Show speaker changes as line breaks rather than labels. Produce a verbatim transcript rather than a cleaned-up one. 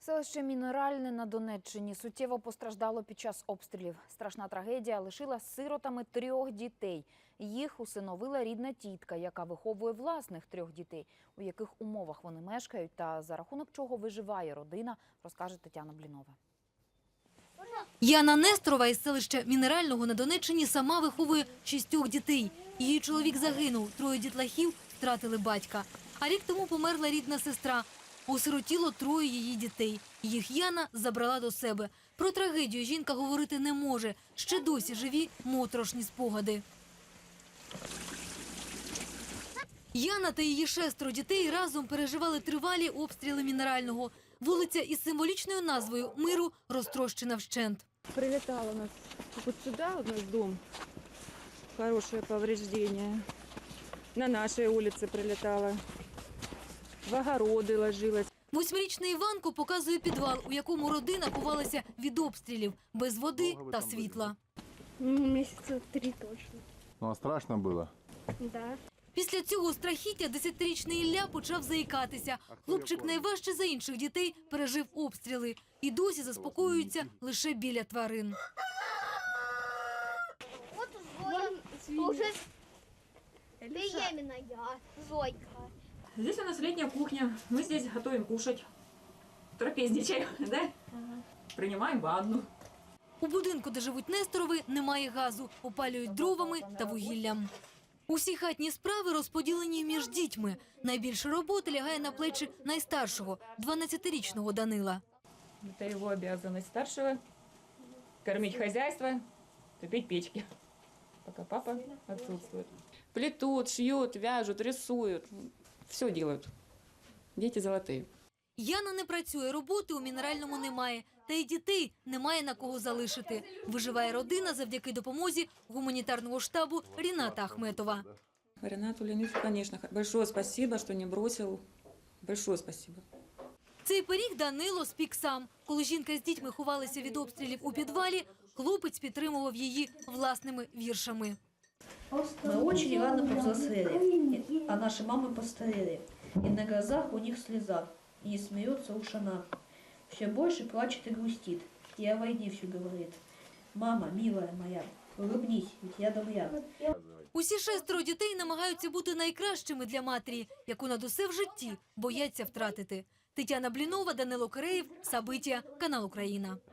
Селище Мінеральне на Донеччині суттєво постраждало під час обстрілів. Страшна трагедія лишила сиротами трьох дітей. Їх усиновила рідна тітка, яка виховує власних трьох дітей. У яких умовах вони мешкають та за рахунок чого виживає родина, розкаже Тетяна Блінова.
Яна Несторова із селища Мінерального на Донеччині сама виховує шістьох дітей. Її чоловік загинув, троє дітлахів втратили батька. А рік тому померла рідна сестра. Осиротіло троє її дітей. Їх Яна забрала до себе. Про трагедію жінка говорити не може. Ще досі живі моторошні спогади. Яна та її шестеро дітей разом переживали тривалі обстріли Мінерального. Вулиця із символічною назвою «Миру» розтрощена вщент.
Прилетала у нас вот сюда, у нас дом, хорошее повреждение. На нашей улице прилетала, в огороды ложилась.
Восьмирічний Іванко показує підвал, у якому родина ховалася від обстрілів, без води та світла.
Месяца три точно.
Ну а страшно було?
Да.
Після цього страхіття десятирічний Ілля почав заїкатися. Хлопчик найважче за інших дітей пережив обстріли і досі заспокоюється лише біля тварин.
Вот Зоя, уже беременная, Зойка.
Здесь у нас летняя кухня. Мы здесь готовим кушать. Трапезничаем, да? Ага. Принимаем ванну.
У будинку, де живуть Несторови, немає газу. Опалюють дровами та вугіллям. Усі хатні справи розподілені між дітьми. Найбільше роботи лягає на плечі найстаршого, дванадцятирічного Данила.
Это его обязанность старшего. Кормить хозяйство, топить печки. Пока папа отсутствует. Плетут, шьют, вяжут, рисуют. Все делают. Дети золотые.
Яна не працює, роботи у Мінеральному немає. Та й дітей немає на кого залишити. Виживає родина завдяки допомозі гуманітарного штабу Ріната Ахметова.
Ренату Леонидовичу, конечно, большое спасибо, что не бросил. Большое спасибо.
Цей пиріг Данило спік сам. Коли жінка з дітьми ховалися від обстрілів у підвалі, хлопець підтримував її власними віршами.
Мы очень рано повзрослели, а наши мамы постарели. И на глазах у них слеза, и не смеется уж она. Все больше плачет и грустит, и о войне все говорит. Мама, милая моя, улыбнись, ведь я добря.
Усі шестеро дітей намагаються бути найкращими для матері, яку над усе в житті бояться втратити. Тетяна Блінова, Данило Киреєв, Сабиття, канал Україна.